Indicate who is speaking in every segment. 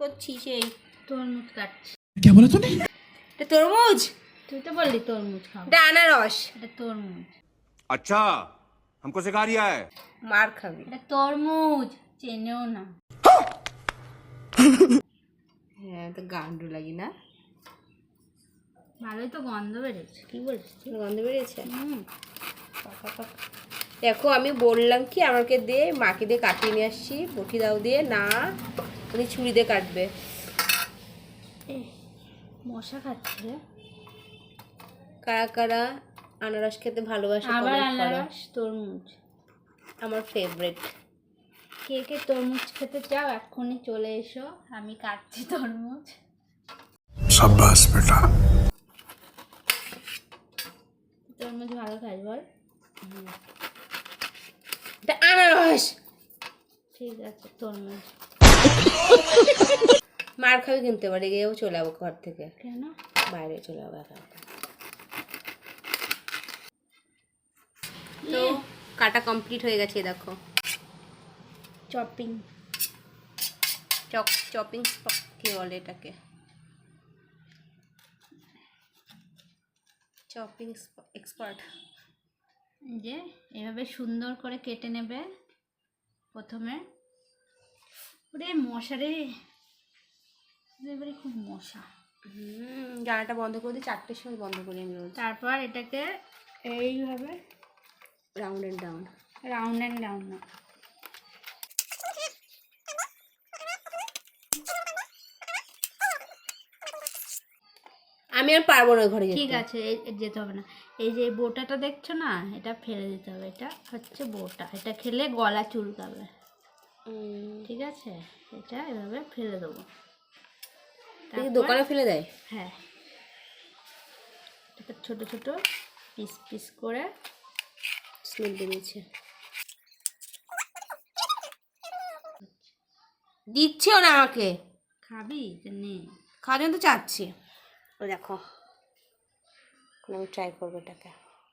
Speaker 1: করছিস? এই
Speaker 2: তরমুজ কাটছি।
Speaker 3: क्या बोला तूने?
Speaker 1: এটা তরমুজ?
Speaker 2: তুই তো বললি তরমুজ খাবো।
Speaker 1: এটা আনারস।
Speaker 2: এটা তরমুজ।
Speaker 4: अच्छा हमको सिखा रिया है।
Speaker 1: মার খাবি।
Speaker 2: এটা তরমুজ, চেনেও না।
Speaker 1: হ্যাঁ, তো গান্ডু লাগি না?
Speaker 2: ভালোই তো গন্ধ বেরোচ্ছে।
Speaker 1: কি বলছিস? গন্ধ বেরিয়েছে?
Speaker 2: হুম।
Speaker 1: দেখো আমি বললাম কি আমাকে দে, মাকে দিয়ে কাটিয়ে নিয়ে আসছি, বটি দাও দিয়ে, না উনি ছুরি দিয়ে কাটবে।
Speaker 2: মশা খাচ্ছে।
Speaker 1: কারা কারা আনারস খেতে ভালোবাসে?
Speaker 2: আবার
Speaker 1: comment করো।
Speaker 2: আনারস, তরমুজ।
Speaker 1: আমার ফেভারিট।
Speaker 2: কে কে তরমুজ খেতে চাও এক্ষুনি চলে এসো, আমি কাটছি তরমুজ।
Speaker 3: शाबाश बेटा।
Speaker 2: তরমুজ ভালো খাই বল।
Speaker 1: এটা আনারস।
Speaker 2: ঠিক আছে তরমুজ।
Speaker 1: মার খাবি কিনতে পারি, গিয়েও চলে যাবো ঘর থেকে,
Speaker 2: কেন?
Speaker 1: বাইরে চলে যাবো একা একা। তো কাটা কমপ্লিট হয়ে গেছে, দেখো।
Speaker 2: চপিং।
Speaker 1: চপিং কি বলে এটাকে? Chopping expert.
Speaker 2: যে এভাবে সুন্দর করে কেটে নেবে প্রথমে। ওরে মশারে, এবারে খুব মশা।
Speaker 1: জানাটা বন্ধ করে দিই, 4টের সময় বন্ধ করি আমি রোজ।
Speaker 2: তারপর এটাকে এইভাবে
Speaker 1: round and down.
Speaker 2: Round and down না,
Speaker 1: আমি আর পারবো না ঘরে যেতে।
Speaker 2: ঠিক আছে যেতে হবে না। এই যে বোটাটা দেখছো না, এটা ফেলে দিতে হবে। এটা হচ্ছে বোটা, এটা খেলে গলা চুলকাবে। ঠিক আছে, এটা এভাবে ফেলে দেবো।
Speaker 1: দোকানে ফেলে দেয়?
Speaker 2: হ্যাঁ, এটা ছোট ছোট পিস পিস করে।
Speaker 1: স্মেল বেরিয়েছে, দিচ্ছেও না আমাকে।
Speaker 2: খাবি নে,
Speaker 1: খাওয়ার জন্য তো চাচ্ছি। ও দেখো, আমি ট্রাই করবো এটাকে।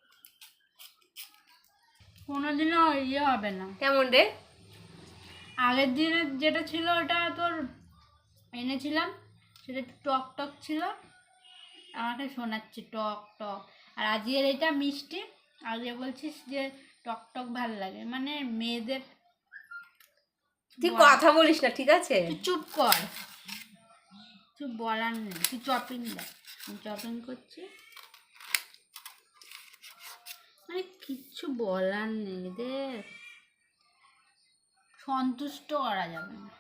Speaker 2: কোনোদিনও ইয়ে হবে না।
Speaker 1: কেমন রে?
Speaker 2: আগের দিনের যেটা ছিল ওটা তোর এনেছিলাম, সেটা একটু টক টক ছিল, আমাকে শোনাচ্ছে টক টক। আর আজকের এটা মিষ্টি, আজকে বলছিস যে টক টক ভালো লাগে। মানে মেয়েদের।
Speaker 1: তুই কথা বলিস না, ঠিক আছে?
Speaker 2: তুই চুপ কর, চুপ বলার নেই। তুই চপিং দেখ, আমি চপিং করছি। মানে কিচ্ছু বলার নেই, দেখ সন্তুষ্ট করা যাবে না।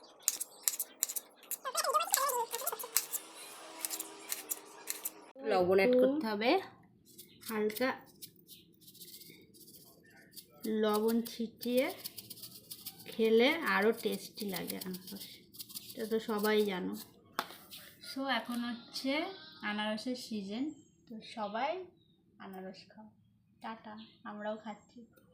Speaker 1: লবণ অ্যাড করতে হবে,
Speaker 2: হালকা লবণ ছিটিয়ে খেলে আরও টেস্টি লাগে আনারস, এটা তো সবাই জানো। সো এখন হচ্ছে আনারসের সিজন, তো সবাই আনারস খাও। টাটা, আমরাও খাচ্ছি।